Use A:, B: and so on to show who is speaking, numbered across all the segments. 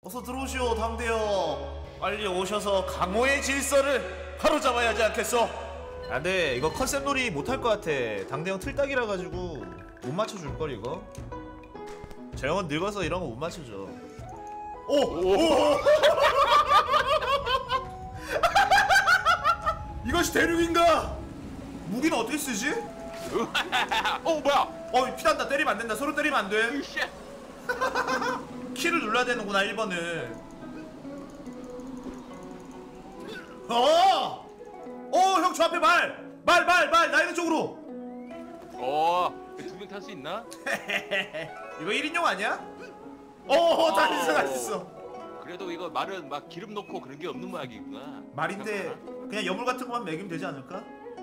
A: 어서 들어오시오 당대여. 빨리 오셔서 강호의 질서를 바로잡아야 하지 않겠소? 안돼, 이거 컨셉 놀이 못할 것 같아. 당대형 틀딱이라 가지고 못 맞춰줄걸 이거. 저 형은 늙어서 이런 거 못 맞춰줘. 오! 이것이 대륙인가? 무기는 어떻게 쓰지?
B: 뭐야?
A: 피난다. 때리면 안 된다. 서로 때리면 안 돼. 키를 눌러야 되는구나 1번을. 형 저 앞에 말 나 있는 쪽으로.
B: 두 명 탈 수 있나?
A: 이거 1인용 아니야? 다 있어.
B: 그래도 이거 말은 막 기름 넣고 그런 게 없는 모양이구나.
A: 말인데 그냥 여물 같은 것만 먹이면 되지 않을까?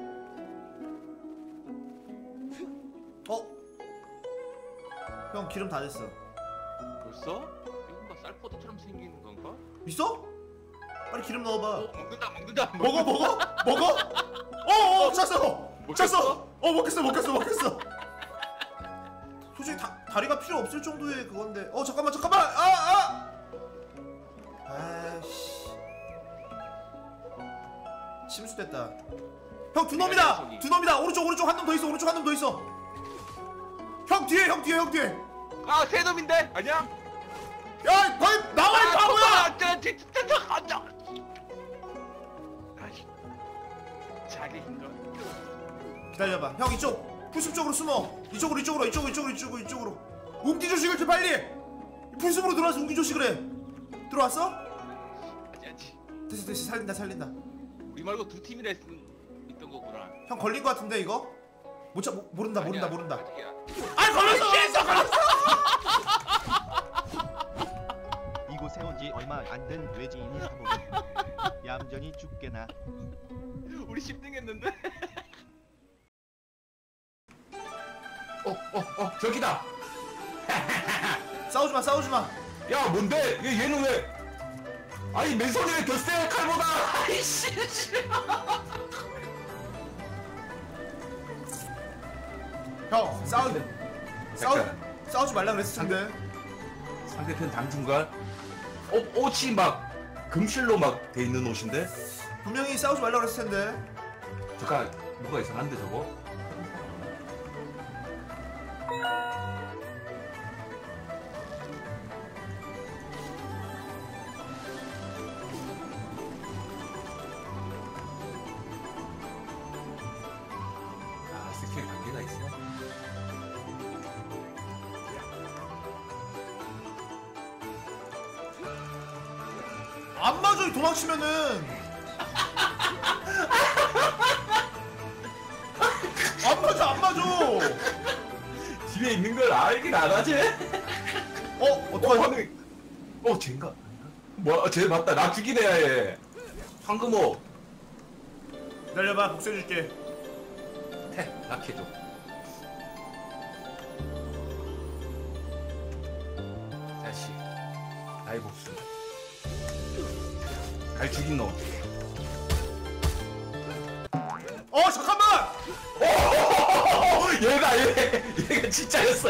A: 형 기름 다 됐어.
B: 벌써? 이거 뭔가 쌀포도처럼 생기는 건가?
A: 있어? 빨리 기름 넣어봐.
B: 먹는다.
A: 먹어? 찼어. 먹겠어. 솔직히 다리가 필요 없을 정도의 그건데. 잠깐만. 아이씨. 침수됐다. 형 두 놈이다. 오른쪽 한 놈 더 있어. 형 뒤에.
B: 세 놈인데? 아니야?
A: 야, 거기 나와 이 바보야!
B: 자기인가?
A: 기다려봐. 형 이쪽 풀숲 쪽으로 숨어. 이쪽으로. 웅기 조식을 좀 빨리. 풀숲으로 들어와서 웅기 조식을 해. 들어왔어?
B: 아직.
A: 됐어. 살린다.
B: 우리 말고 두 팀이나 있던 거구나.
A: 형 걸린 거 같은데 이거? 모른다.
B: 아직이야.
A: 걸렸어.
C: 이곳에 온 지 얼마 안 된 외지인이 사보니 얌전히 죽게나.
B: 우리 10등 했는데?
D: 저기다.
A: 싸우지 마.
D: 야, 뭔데? 얘는 왜? 아니, 맨손이 왜 더 세? 칼보다. 아이씨.
A: 형 싸우지 말라 그랬을 텐데.
D: 상대편 당중간 옷이 막 금실로 막 돼 있는 옷인데?
A: 분명히 싸우지 말라 그랬을 텐데.
D: 잠깐, 뭐가 이상한데 저거? 스킬 관계가 있어.
A: 안 맞아, 도망치면은. 안 맞아.
D: 뒤에 있는 걸 알긴 안 하지?
A: 어떡하지?
D: 쟤인가? 뭐야, 쟤 맞다. 나 죽이네, 얘. 황금호.
A: 기다려봐, 복수해줄게.
D: 낙해줘. 다시 나의 복수. 갈 죽인 놈.
A: 잠깐만!
D: 얘가 진짜였어.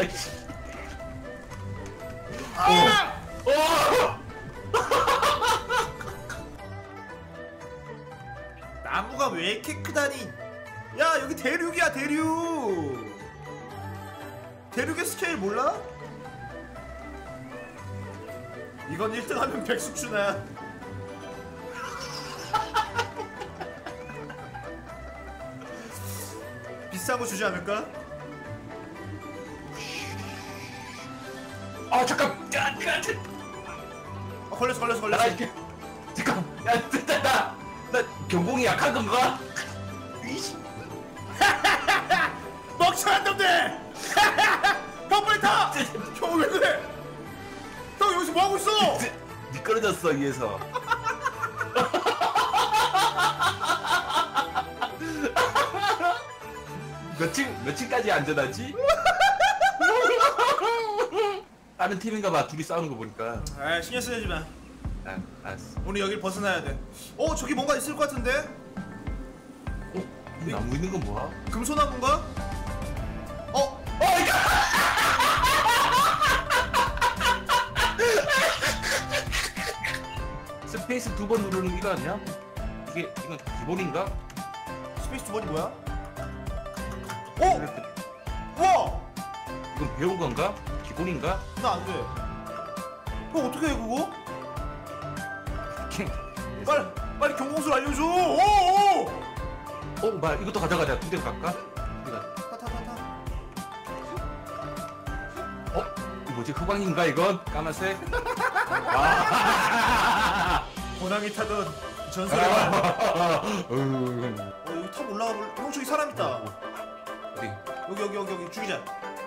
A: 나무가 왜 이렇게 크다니? 야, 여기 대륙이야, 대륙. 대륙의 스케일 몰라? 이건 1등하면 백숙주나. 비싼 거 주지 않을까?
D: 잠깐.
A: 걸렸어.
D: 잠깐. 나 경공이 약한 건가?
A: 멍청한 놈들! 형 빨리 타! 형 왜 그래? 형 여기서 뭐 하고 있어?
D: 미끄러졌어 위에서. 몇 층까지 안전하지? 다른 팀인가 봐. 둘이 싸우는 거 보니까.
A: 신경 쓰지 마.
D: 알았어.
A: 오늘 여길 벗어나야 돼. 저기 뭔가 있을 것 같은데?
D: 이 나무 있는 건 뭐야?
A: 금소나무인가?
D: 스페이스 2번 누르는 게 아니야? 이건 기본인가?
A: 스페이스 2번이 뭐야? 오! 우와!
D: 이건 배운 건가? 기본인가?
A: 나 안 돼. 형 어떻게 해 그거? 빨리 경공술 알려줘. 오!
D: 말 이것도 가져가자. 2대 갈까? 우리가
A: 타타타타.
D: 이거 뭐지? 흑광인가 이건? 까만색?
A: 고남이 타던 전설의 말.
D: 음.
A: 여기 탑 올라가 볼. 형 저기 사람 있다.
D: 어디?
A: 여기 죽이자.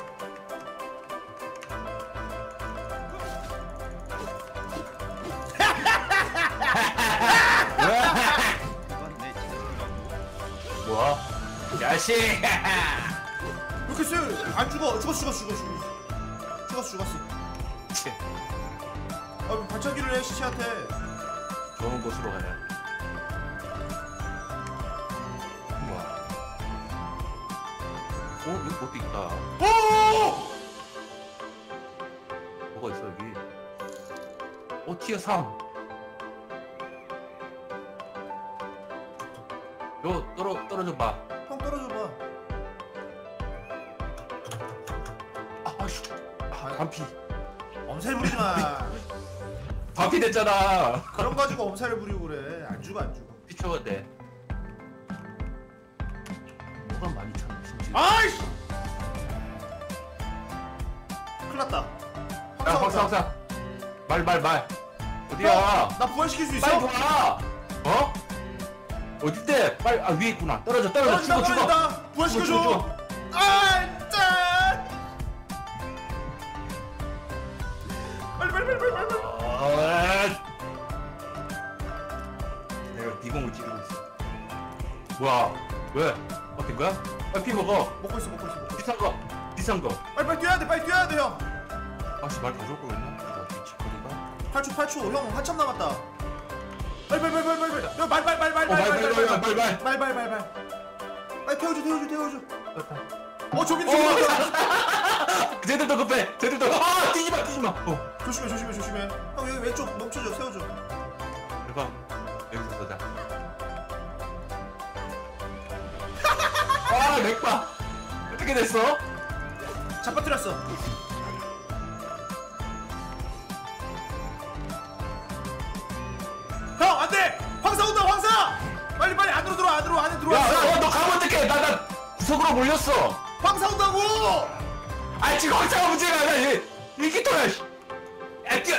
C: 그건 내 친구라고.
D: 뭐야? 야식!
A: 이렇게 쎄. 안 죽어. 죽었어. 아 발차기를 해 시체한테.
D: 좋은 곳으로 가자. 우와. 여기 것도 있다.
A: 오!
D: 뭐가 있어 여기? 티어 3. 떨어져 봐.
A: 형 떨어져 봐.
D: 아씨. 반피.
A: 엄살 부리지 마.
D: 반피 됐잖아.
A: 그런 거 가지고 엄살을 부리고 그래. 안 죽어.
D: 피쳐야 돼. 뭐가 많이 참 진짜.
A: 아이씨! 큰일 났다.
D: 야, 황사. 말. 어디야?
A: 나 부활시킬 수 있어?
D: 빨리 와. 어? 어딘데? 빨리 위에 있구나. 떨어져. 죽어.
A: 부활시켜줘. 아, 짠! 빨리.
D: 내가 비공을 찌르고 있어. 뭐야? 왜? 어떤 거야? 빨리 피 먹어.
A: 먹고 있어.
D: 비싼 거.
A: 빨리 뛰어야 돼, 형.
D: 아씨 말 가져올 거였나? 미치거리가.
A: 8초. 형 한참 남았다. 빨리. 야, 말. 빨리 태워줘. 저기.
D: 쟤들도 급해. 뛰지 마.
A: 조심해. 형 여기 왼쪽 멈춰줘. 세워줘.
D: 대박. 여기서 쏘자. 맥바. 어떻게 됐어?
A: 잡아뜨렸어. 형 안돼. 황사 온다. 빨리 안으로 들어와. 안에 들어와.
D: 너 가면 어떡해? 나 구석으로 몰렸어.
A: 황사 온다고.
D: 지금 황사가 문제가 아니야. 이 기토야. 뛰어.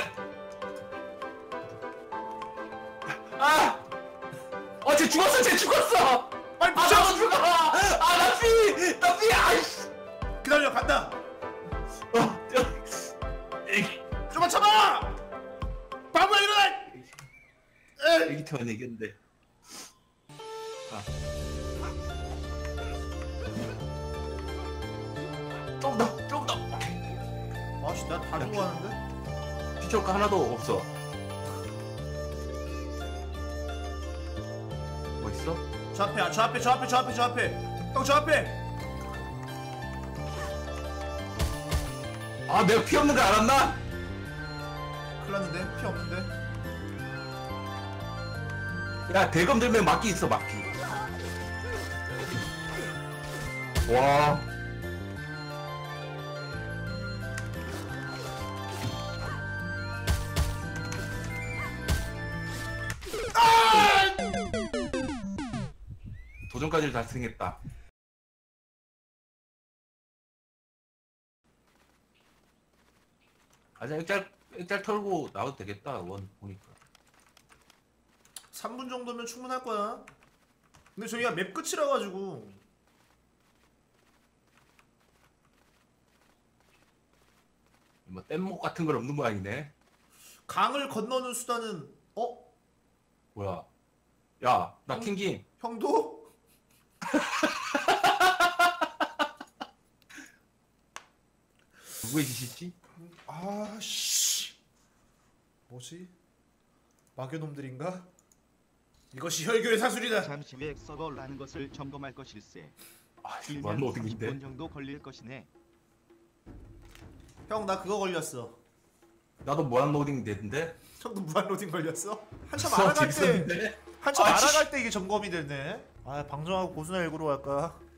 D: 쟤 죽었어.
A: 빨리
D: 너
A: 붙여.
D: 죽어. 나 피. 아이씨.
A: 기다려. 간다. 좀만 참아. 바보야 일어나.
D: 애기 태원 얘기인데. 좀 더.
A: 아씨 나 다 주고 하는데.
D: 피처 거 하나도 없어. 뭐 있어?
A: 저 앞에. 형 저 앞에.
D: 내가 피 없는 거 알았나?
A: 큰일 났는데 피 없는데.
D: 야, 대검 들면 막기 있어, 막기. 와. 도전까지 달성했다. 액잘 털고 나와도 되겠다. 원 보니까.
A: 3분 정도면 충분할 거야. 근데 저희가 맵 끝이라 가지고.
D: 뭐 뗏목 같은 건 없는 모양이네.
A: 강을 건너는 수단은
D: 뭐야? 야, 나 킹김.
A: 형도?
D: 누구의 짓이지?
A: 아씨. 뭐지? 마교놈들인가? 이것이 혈교의 사술이다.
C: 잠시 후에 서버라는 것을 점검할 것일세.
D: 완전
C: 길면
D: 어디
C: 30분
D: 있는데?
C: 정도 걸릴 것이네.
A: 형 나 그거 걸렸어.
D: 나도 무한 로딩 되던데.
A: 형도 무한 로딩 걸렸어? 한참
D: 수업
A: 알아갈 때
D: 재밌었는데?
A: 한참
D: 아, 씨.
A: 알아갈 때 이게 점검이 됐네. 아 방송하고 고수나 일구러 갈까?